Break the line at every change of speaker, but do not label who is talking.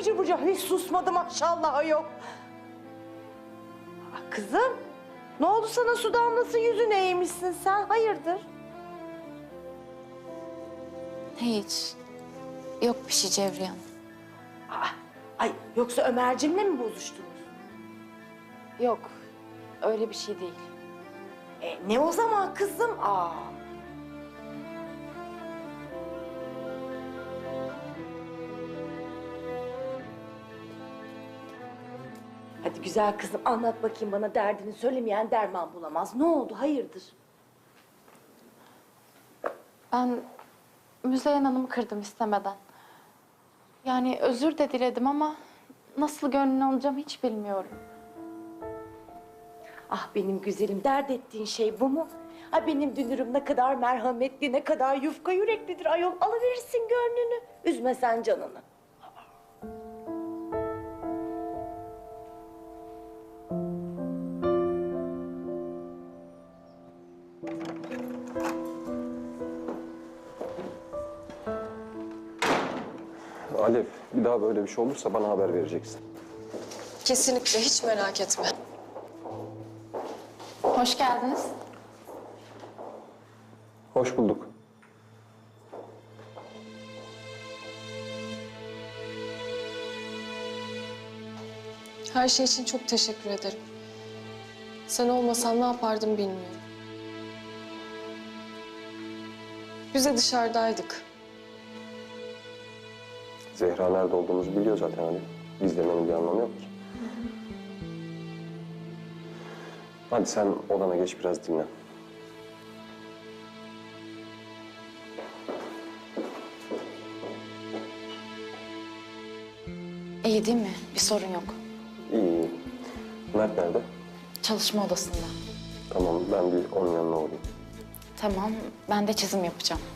bıcır bıcır. Hiç susmadı maşallah ayol. Kızım, ne oldu sana su damlası yüzüne eğmişsin sen? Hayırdır?
Hiç. Yok bir şey Cevriye Hanım.
Ay yoksa Ömerciğimle mi bozuştunuz?
Yok. Öyle bir şey değil.
Ne o zaman kızım? Hadi güzel kızım anlat bakayım bana derdini söylemeyen derman bulamaz. Ne oldu hayırdır?
Ben Müzeyyen Hanım'ı kırdım istemeden. Yani özür de diledim ama nasıl gönlünü alacağım hiç bilmiyorum.
Ah benim güzelim dert ettiğin şey bu mu? Ha benim dünürüm ne kadar merhametli, ne kadar yufka yüreklidir ayol. Alıverirsin gönlünü. Üzme sen canını.
Alev, bir daha böyle bir şey olursa bana haber vereceksin.
Kesinlikle hiç merak etme.
Hoş geldiniz.
Hoş bulduk.
Her şey için çok teşekkür ederim. Sen olmasan ne yapardım bilmiyorum. Biz de dışarıdaydık.
Zehra nerede olduğumuzu biliyor zaten Alev. Gizlemenin bir anlamı yok ki. Hadi sen odana geç biraz dinlen.
İyi değil mi? Bir sorun yok.
İyi, iyi. Mert nerede?
Çalışma odasında.
Tamam, ben bir onun yanına uğrayayım.
Tamam, ben de çizim yapacağım.